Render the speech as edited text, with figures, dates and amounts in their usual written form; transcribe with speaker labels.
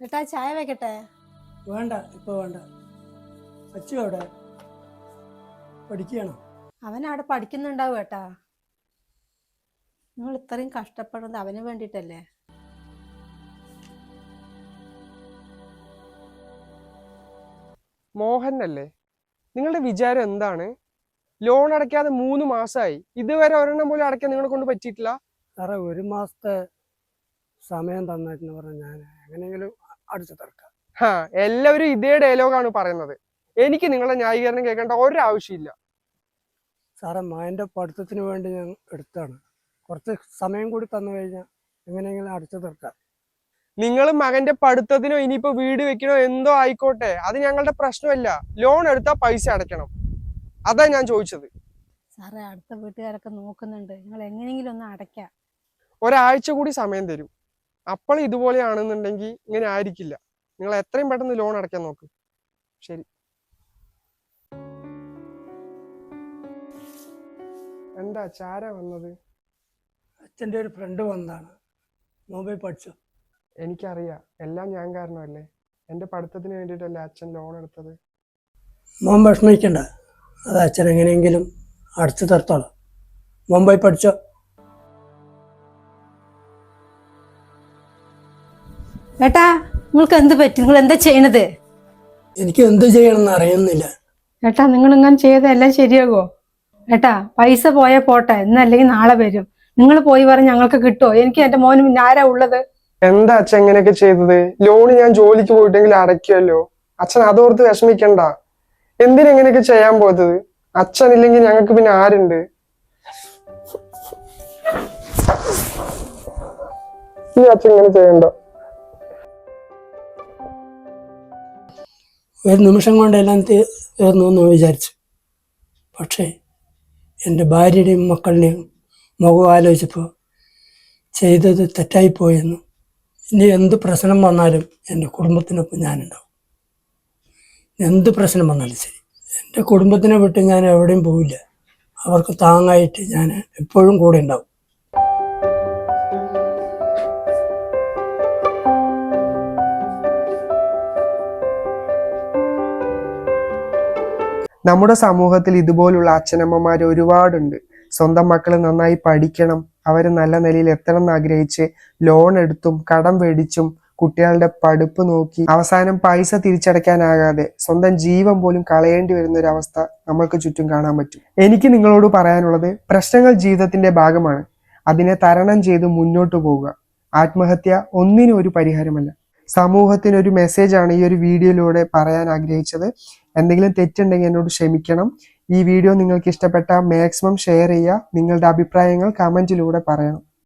Speaker 1: ഏട്ടാ ചായ വെക്കട്ടെ?
Speaker 2: വേണ്ട, ഇപ്പോൾ വേണ്ട. അച്ചു അവിടെ പഠിക്കുകയാണോ?
Speaker 1: അവൻ അവിടെ പഠിക്കുന്നുണ്ടാവും ഏട്ടാ. നിങ്ങൾ ഇത്രയും കഷ്ടപ്പെടുന്നത് അവന് വേണ്ടിയിട്ടല്ലേ?
Speaker 3: മോഹൻ അല്ലേ? നിങ്ങളുടെ വിചാരം എന്താണ്? ലോൺ അടയ്ക്കാതെ 3 മാസമായി, ഇതുവരെ ഒരെണ്ണം പോലും അടയ്ക്കാൻ നിങ്ങളെ കൊണ്ട് പറ്റിയിട്ടില്ല.
Speaker 2: സാറേ, 1 മാസത്തെ സമയം തന്നിട്ടെന്ന് പറഞ്ഞാൽ ഞാൻ എങ്ങനെയെങ്കിലും അടിച്ചു തീർക്കാം.
Speaker 3: എല്ലാവരും ഇതേ ഡയലോഗാണ് പറയുന്നത്. എനിക്ക് നിങ്ങളുടെ ന്യായീകരണം കേൾക്കേണ്ട ഒരാവശ്യമില്ല.
Speaker 2: സാറേ, മകൻ്റെ പഠിത്തത്തിന് വേണ്ടി ഞാൻ എടുത്താണ്. കുറച്ച് സമയം കൂടി തന്നു കഴിഞ്ഞാൽ എങ്ങനെയെങ്കിലും അടിച്ചു തീർക്കാം.
Speaker 3: നിങ്ങൾ മകന്റെ പഠിത്തത്തിനോ ഇനിയിപ്പോ വീട് വെക്കണോ എന്തോ ആയിക്കോട്ടെ, അത് ഞങ്ങളുടെ പ്രശ്നമല്ല. ലോൺ എടുത്താൽ പൈസ അടയ്ക്കണം, അതാ ഞാൻ ചോദിച്ചത്.
Speaker 1: സാറേ, അടുത്ത വീട്ടുകാരൊക്കെ നോക്കുന്നുണ്ട്, നിങ്ങൾ എങ്ങനെയെങ്കിലും ഒന്ന് അടയ്ക്കാം.
Speaker 3: ഒരാഴ്ച കൂടി സമയം തരും. അപ്പോൾ ഇതുപോലെയാണെന്നുണ്ടെങ്കിൽ ഇങ്ങനെ ആയിരിക്കില്ല. നിങ്ങൾ എത്രയും പെട്ടെന്ന് ലോൺ അടയ്ക്കാൻ നോക്ക്. ശരി. എന്താ ചാര വന്നത്?
Speaker 2: അച്ഛൻ്റെ ഒരു ഫ്രണ്ട് വന്നതാണ്. മൊബൈൽ പഠിച്ചു.
Speaker 3: എനിക്കറിയാം, എല്ലാം ഞാൻ കാരണമല്ലേ. എൻ്റെ പഠിത്തത്തിന് വേണ്ടിയിട്ടല്ലേ അച്ഛൻ ലോൺ എടുത്തത്.
Speaker 2: മോൻ വിഷമിക്കണ്ട, അത് അച്ഛൻ എങ്ങനെയെങ്കിലും അടിച്ചു തീർത്തോളാം. മുംബൈ പഠിച്ചോ.
Speaker 1: ഏട്ടാ, നിങ്ങൾക്ക് എന്ത് പറ്റി? നിങ്ങൾ എന്താ ചെയ്യണത്?
Speaker 2: എനിക്ക് എന്ത് ചെയ്യണമെന്ന് അറിയുന്നില്ല.
Speaker 1: ഏട്ടാ, നിങ്ങൾ ഇങ്ങനെ ചെയ്തെല്ലാം ശരിയാകോ? ഏട്ടാ, പൈസ പോയാ പോട്ടെ, ഇന്നല്ലെങ്കിൽ നാളെ വരും. നിങ്ങൾ പോയി പറഞ്ഞ് ഞങ്ങൾക്ക് കിട്ടുമോ? എനിക്ക് എന്റെ മോനും പിന്നെ ആരാ ഉള്ളത്?
Speaker 3: എന്താ അച്ഛൻ ഇങ്ങനെയൊക്കെ ചെയ്തത്? ലോണ് ഞാൻ ജോലിക്ക് പോയിട്ടെങ്കിൽ അടയ്ക്കുമല്ലോ. അച്ഛൻ അതോർത്ത് വിഷമിക്കണ്ട. എന്തിനെങ്ങനെയൊക്കെ ചെയ്യാൻ പോയത്? അച്ഛൻ ഇല്ലെങ്കിൽ ഞങ്ങൾക്ക് പിന്നെ ആരുണ്ട്? ഈ അച്ഛൻ ഇങ്ങനെ ചെയ്യണ്ട.
Speaker 2: ഒരു നിമിഷം കൊണ്ട് എല്ലാം തീർന്നു എന്ന് വിചാരിച്ചു. പക്ഷേ എൻ്റെ ഭാര്യയുടെയും മക്കളുടെയും മുഖം ആലോചിച്ചപ്പോൾ ചെയ്തത് തെറ്റായിപ്പോയെന്നു. ഇനി എന്ത് പ്രശ്നം വന്നാലും എൻ്റെ കുടുംബത്തിനൊപ്പം ഞാനുണ്ടാവും. എന്ത് പ്രശ്നം വന്നാലും ശരി, എൻ്റെ കുടുംബത്തിനെ വിട്ട് ഞാൻ എവിടെയും പോവില്ല. അവർക്ക് താങ്ങായിട്ട് ഞാൻ എപ്പോഴും കൂടെ ഉണ്ടാവും.
Speaker 3: നമ്മുടെ സമൂഹത്തിൽ ഇതുപോലുള്ള അച്ഛനമ്മമാർ ഒരുപാടുണ്ട്. സ്വന്തം മക്കൾ നന്നായി പഠിക്കണം, അവർ നല്ല നിലയിൽ എത്തണം എന്ന് ആഗ്രഹിച്ച് ലോൺ എടുത്തും കടം മേടിച്ചും കുട്ടികളുടെ പഠിപ്പ് നോക്കി അവസാനം പൈസ തിരിച്ചടയ്ക്കാനാകാതെ സ്വന്തം ജീവൻ പോലും കളയേണ്ടി വരുന്ന ഒരു അവസ്ഥ നമ്മൾക്ക് ചുറ്റും കാണാൻ പറ്റും. എനിക്ക് നിങ്ങളോട് പറയാനുള്ളത്, പ്രശ്നങ്ങൾ ജീവിതത്തിന്റെ ഭാഗമാണ്. അതിനെ തരണം ചെയ്ത് മുന്നോട്ട് പോവുക. ആത്മഹത്യ ഒന്നിനും ഒരു പരിഹാരമല്ല. സമൂഹത്തിനൊരു മെസ്സേജാണ് ഈ ഒരു വീഡിയോയിലൂടെ പറയാൻ ആഗ്രഹിച്ചത്. എന്തെങ്കിലും തെറ്റുണ്ടെങ്കിൽ എന്നോട് ക്ഷമിക്കണം. ഈ വീഡിയോ നിങ്ങൾക്ക് ഇഷ്ടപ്പെട്ടാൽ മാക്സിമം ഷെയർ ചെയ്യുക. നിങ്ങളുടെ അഭിപ്രായങ്ങൾ കമന്റിലൂടെ പറയണം.